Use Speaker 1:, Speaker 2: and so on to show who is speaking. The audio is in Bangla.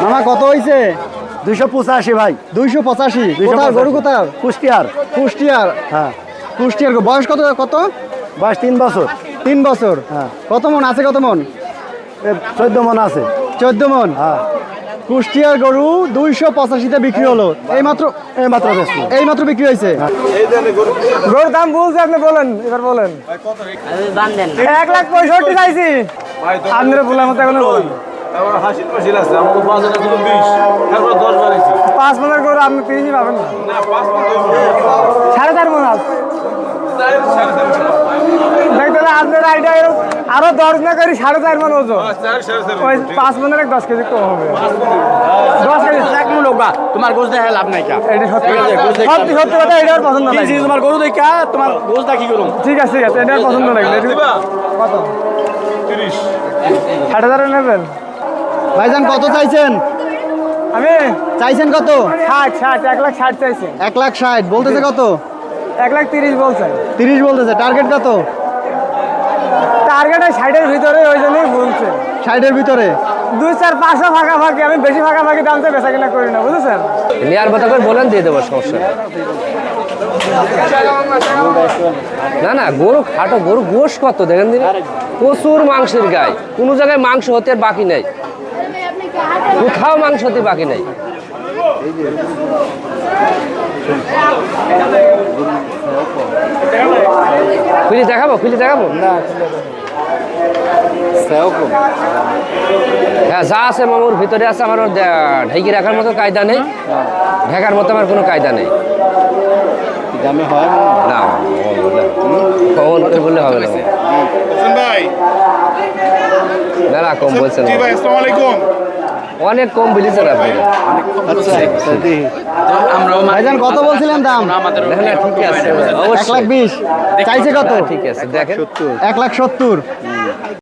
Speaker 1: মামা কত হয়েছে?
Speaker 2: 285 ভাই।
Speaker 1: 285। কোথায় গরু কোথায়?
Speaker 2: কুষ্টিয়ার।
Speaker 1: কুষ্টিয়ার।
Speaker 2: হ্যাঁ।
Speaker 1: কুষ্টিয়ার বয়স কত কত?
Speaker 2: বয়স 3 বছর।
Speaker 1: 3 বছর।
Speaker 2: হ্যাঁ।
Speaker 1: কত মন আছে? কত মন?
Speaker 2: 14 মন আছে।
Speaker 1: 14 মন।
Speaker 2: হ্যাঁ।
Speaker 1: কুষ্টিয়ার গরু 285-তে বিক্রি হলো। এইমাত্র এইমাত্র বিক্রি হয়েছে।
Speaker 3: গরুর দাম বলছে, আপনি বলেন, এবার বলেন। 1,65,000 চাইছি। আপনারা বলার মতো এখনো বলেন। 5 মনের গরু আপনি 30 পাবেন না। 4.5 মন আছে। দেখতে আপনার আইডিয়া আরো 10 না করি 4.5 মন ওজন। ওই 5 মনের 10 কেজি কম হবে। 10 কেজি
Speaker 4: এক মূল হোক তোমার গোছ দেখা লাভ নাই কা।
Speaker 3: এটা সত্যি সত্যি কথা, এটার পছন্দ নাই।
Speaker 4: তোমার গরু দেখা তোমার গোছ দা কি করুম।
Speaker 3: ঠিক আছে ঠিক আছে, এটার পছন্দ লাগলে কত? 30। 60,000 নেবেন?
Speaker 1: ভাইজান কত চাইছেন?
Speaker 3: আমি
Speaker 1: চাইছেন কত?
Speaker 3: 60 1,60,000 চাইছি।
Speaker 1: 1,60,000 বলতেছে কত?
Speaker 3: 1,30,000 বলছে।
Speaker 1: 30 বলতেছে। টার্গেট কত?
Speaker 3: টার্গেট 60-এর ভিতরে, ওই জন্যই বলছে।
Speaker 1: 60-এর ভিতরে।
Speaker 3: 2-4-500 ফাঁকাফাঁকি। আমি বেশি ফাঁকাফাঁকি দামতে বেচা কিনা করি না, বুঝেছেন?
Speaker 5: নেয়ার কথা করে বলেন, দিয়ে দেবো, সমস্যা না। না গরু খাটো, গরু গোশ কত দেখেন দিন, প্রচুর মাংসের গায়ে। কোনো জায়গায় মাংস হতে আর বাকি নাই, কোথাও মাংস হতে বাকি নাই। খুলে দেখাবো হ্যাঁ, যা আছে মামুর ভিতরে আছে। আমার ঢেকে রাখার মতো কায়দা নেই, ঢেকার মতো আমার কোনো কায়দা নেই। না কমন করে বললে হবে না। না কম বলছেন, অনেক কম বলেছেন আপনি।
Speaker 1: ভাইজান কত বলছিলেন দাম?
Speaker 5: ঠিক আছে,
Speaker 1: 1,20,000 চাইছে কত?
Speaker 5: ঠিক আছে, দেখেন
Speaker 1: 1,70,000।